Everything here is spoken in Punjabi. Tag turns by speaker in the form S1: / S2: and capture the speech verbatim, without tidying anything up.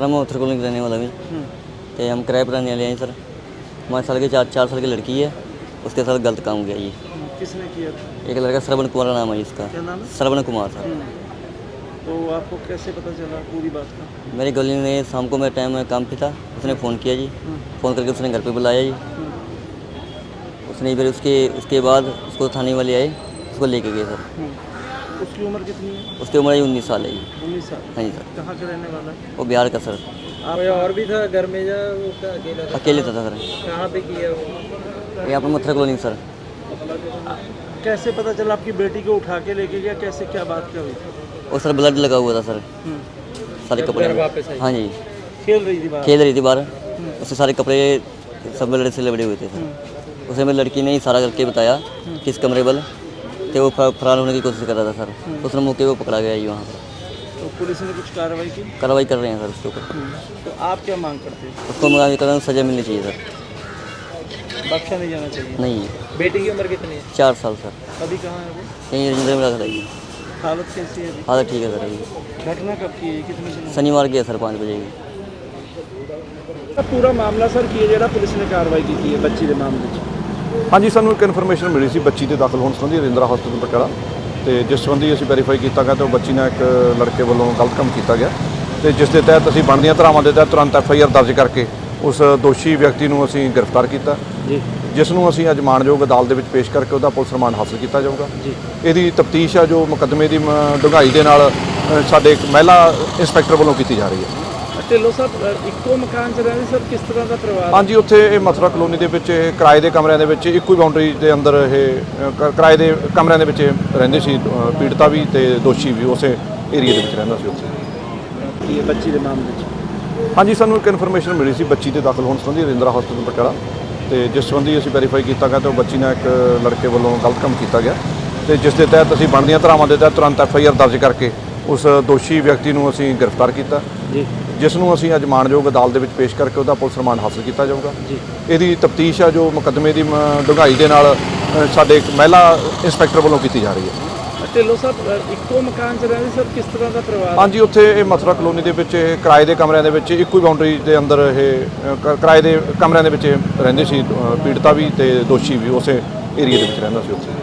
S1: सर मैं उत्तर कॉलोनी का रहने वाला हूँ। तो हम किराए पर रहने वाले हैं सर। हमारे साल के चार चार साल की लड़की है, उसके साथ गलत काम किया ये।
S2: किसने किया था?
S1: एक लड़का श्रवण कुमार का नाम है इसका।
S2: क्या नाम है?
S1: श्रवण कुमार सर।
S2: तो आपको कैसे पता चला पूरी बात का?
S1: मेरी गली में शाम को मेरा टाइम में काम पे था, उसने फ़ोन किया जी। फ़ोन करके उसने घर पे बुलाया जी। उसने फिर उसके उसके बाद उसको थाने वाले आए, उसको लेके गए सर।
S2: उसकी उम्र कितनी है?
S1: उसकी उम्र उन्नीस साल है जी।
S2: उन्नीस साल।
S1: हाँ जी सर।
S2: कहाँ के रहने वाला है?
S1: वो बिहार का सर।
S2: आप और भी था घर में या वो क्या अकेला था?
S1: अकेले था सर।
S2: कहाँ पे किया वो?
S1: यहाँ पर मथुरा कॉलोनी सर।
S2: कैसे पता चला आपकी बेटी को उठा के लेके गया? कैसे क्या बात क्या हुई?
S1: और सर ब्लड लगा हुआ था सर सारे कपड़े में। हाँ जी,
S2: खेल रही थी बाहर?
S1: खेल रही थी बाहर। उसके सारे कपड़े सब ब्लड से लबड़े हुए थे सर। उसे मेरी लड़की ने ही सारा करके बताया किस कमरे बल थे, वो फरार होने की कोशिश कर रहा था सर। उसने मौके को पकड़ा गया जी वहाँ पर।
S2: तो पुलिस ने कुछ कार्रवाई की?
S1: कार्रवाई कर रहे हैं सर उसके ऊपर।
S2: तो आप क्या मांग करते हैं?
S1: उसको मुआवजे का सज़ा मिलनी चाहिए सर।
S2: बख्शा नहीं जाना चाहिए?
S1: नहीं,
S2: बेटी की उम्र कितनी है?
S1: चार साल सर।
S2: अभी कहाँ है वो?
S1: कहीं रजिंद्र में रख रही।
S2: हालत कैसी है अभी?
S1: हालत ठीक है सर अभी।
S2: घटना कब की है? कितने दिन?
S1: शनिवार की है सर, पाँच बजे की।
S2: पूरा मामला सर की ਜਿਹੜਾ ਪੁਲਿਸ ਨੇ ਕਾਰਵਾਈ ਕੀਤੀ ਹੈ ਬੱਚੀ ਦੇ ਮਾਮਲੇ 'ਚ?
S3: ਹਾਂਜੀ, ਸਾਨੂੰ ਇੱਕ ਇਨਫੋਰਮੇਸ਼ਨ ਮਿਲੀ ਸੀ ਬੱਚੀ ਦੇ ਦਾਖਲ ਹੋਣ ਸੰਬੰਧੀ ਰਜਿੰਦਰਾ ਹਸਪਤਾਲ ਪਟਿਆਲਾ, ਤੇ ਜਿਸ ਸੰਬੰਧੀ ਅਸੀਂ ਵੈਰੀਫਾਈ ਕੀਤਾ ਗਿਆ ਤੇ ਉਹ ਬੱਚੀ ਨਾਲ ਇੱਕ ਲੜਕੇ ਵੱਲੋਂ ਗਲਤ ਕੰਮ ਕੀਤਾ ਗਿਆ, ਤੇ ਜਿਸ ਦੇ ਤਹਿਤ ਅਸੀਂ ਬਣਦੀਆਂ ਧਾਰਾਵਾਂ ਦੇ ਤਹਿਤ ਤੁਰੰਤ ਐਫ ਆਈ ਆਰ ਦਰਜ ਕਰਕੇ ਉਸ ਦੋਸ਼ੀ ਵਿਅਕਤੀ ਨੂੰ ਅਸੀਂ ਗ੍ਰਿਫਤਾਰ ਕੀਤਾ ਜੀ, ਜਿਸ ਨੂੰ ਅਸੀਂ ਅੱਜ ਮਾਣਯੋਗ ਅਦਾਲਤ ਦੇ ਵਿੱਚ ਪੇਸ਼ ਕਰਕੇ ਉਹਦਾ ਪੁਲਿਸ ਰਿਮਾਂਡ ਹਾਸਲ ਕੀਤਾ ਜਾਊਗਾ ਜੀ। ਇਹਦੀ ਤਫਤੀਸ਼ ਆ ਜੋ ਮੁਕੱਦਮੇ ਦੀ ਡੂੰਘਾਈ ਦੇ ਨਾਲ ਸਾਡੇ ਇੱਕ ਮਹਿਲਾ ਇੰਸਪੈਕਟਰ ਵੱਲੋਂ ਕੀਤੀ ਜਾ ਰਹੀ ਹੈ।
S2: ਢਿੱਲੋਂ ਸਾਹਿਬ ਇੱਕੋ ਮਕਾਨ 'ਚ ਰਹਿੰਦੇ ਸਰ, ਕਿਸ ਤਰ੍ਹਾਂ ਦਾ ਪਰਿਵਾਰ?
S3: ਹਾਂਜੀ, ਉੱਥੇ ਇਹ ਮਥੁਰਾ ਕਲੋਨੀ ਦੇ ਵਿੱਚ ਇਹ ਕਿਰਾਏ ਦੇ ਕਮਰਿਆਂ ਦੇ ਵਿੱਚ ਇੱਕੋ ਹੀ ਬਾਉਂਡਰੀ ਦੇ ਅੰਦਰ ਇਹ ਕ- ਕਿਰਾਏ ਦੇ ਕਮਰਿਆਂ ਦੇ ਵਿੱਚ ਇਹ ਰਹਿੰਦੇ ਸੀ। ਅ, ਪੀੜਤਾ ਵੀ ਤੇ ਦੋਸ਼ੀ ਵੀ ਉਸੇ ਏਰੀਆ ਦੇ ਵਿੱਚ ਰਹਿੰਦਾ ਸੀ ਉੱਥੇ।
S2: ਕੀ ਹੈ ਬੱਚੀ ਦੇ ਮਾਮਲੇ 'ਚ?
S3: ਹਾਂਜੀ, ਸਾਨੂੰ ਇੱਕ ਇਨਫੋਰਮੇਸ਼ਨ ਮਿਲੀ ਸੀ ਬੱਚੀ ਦੇ ਦਾਖਲ ਹੋਣ ਸੰਬੰਧੀ ਰਜਿੰਦਰਾ ਹਸਪਤਾਲ ਪਟਿਆਲਾ, ਤੇ ਜਿਸ ਸੰਬੰਧੀ ਅਸੀਂ ਵੈਰੀਫਾਈ ਕੀਤਾ ਗਿਆ ਤੇ ਉਹ ਬੱਚੀ ਨਾਲ ਇੱਕ ਲੜਕੇ ਵੱਲੋਂ ਗਲਤ ਕੰਮ ਕੀਤਾ ਗਿਆ, ਤੇ ਜਿਸ ਦੇ ਤਹਿਤ ਅਸੀਂ ਬਣਦੀਆਂ ਧਾਰਾਵਾਂ ਦੇ ਤਹਿਤ ਤੁਰੰਤ ਐਫ ਆਈ ਆਰ ਦਰਜ ਕਰਕੇ ਉਸ ਦੋਸ਼ੀ ਵਿਅਕਤੀ ਨੂੰ ਅਸੀਂ ਗ੍ਰਿਫਤਾਰ ਕੀਤਾ ਜੀ, ਜਿਸ ਨੂੰ ਅਸੀਂ ਅੱਜ ਮਾਣਯੋਗ ਅਦਾਲਤ ਦੇ ਵਿੱਚ ਪੇਸ਼ ਕਰਕੇ ਉਹਦਾ ਪੁਲਿਸ ਰਿਮਾਂਡ ਹਾਸਲ ਕੀਤਾ ਜਾਊਗਾ ਜੀ। ਇਹਦੀ ਤਫਤੀਸ਼ ਆ ਜੋ ਮੁਕੱਦਮੇ ਦੀ ਡੂੰਘਾਈ ਦੇ ਨਾਲ ਸਾਡੇ ਇੱਕ ਮਹਿਲਾ ਇੰਸਪੈਕਟਰ ਵੱਲੋਂ ਕੀਤੀ ਜਾ ਰਹੀ ਹੈ।
S2: ਢਿੱਲੋਂ ਸਾਹਿਬ ਇੱਕੋ ਮਕਾਨ 'ਚ ਰਹਿੰਦੇ ਸਰ, ਕਿਸ ਤਰ੍ਹਾਂ ਦਾ ਪਰਿਵਾਰ?
S3: ਹਾਂਜੀ, ਉੱਥੇ ਇਹ ਮਥੁਰਾ ਕਲੋਨੀ ਦੇ ਵਿੱਚ ਇਹ ਕਿਰਾਏ ਦੇ ਕਮਰਿਆਂ ਦੇ ਵਿੱਚ ਇੱਕੋ ਹੀ ਬਾਉਂਡਰੀ ਦੇ ਅੰਦਰ ਇਹ ਕ- ਕਿਰਾਏ ਦੇ ਕਮਰਿਆਂ ਦੇ ਵਿੱਚ ਇਹ ਰਹਿੰਦੇ ਸੀ। ਅ, ਪੀੜਤਾ ਵੀ ਤੇ ਦੋਸ਼ੀ ਵੀ ਉਸੇ ਏਰੀਆ ਦੇ ਵਿੱਚ ਰਹਿੰਦਾ ਸੀ ਉੱਥੇ।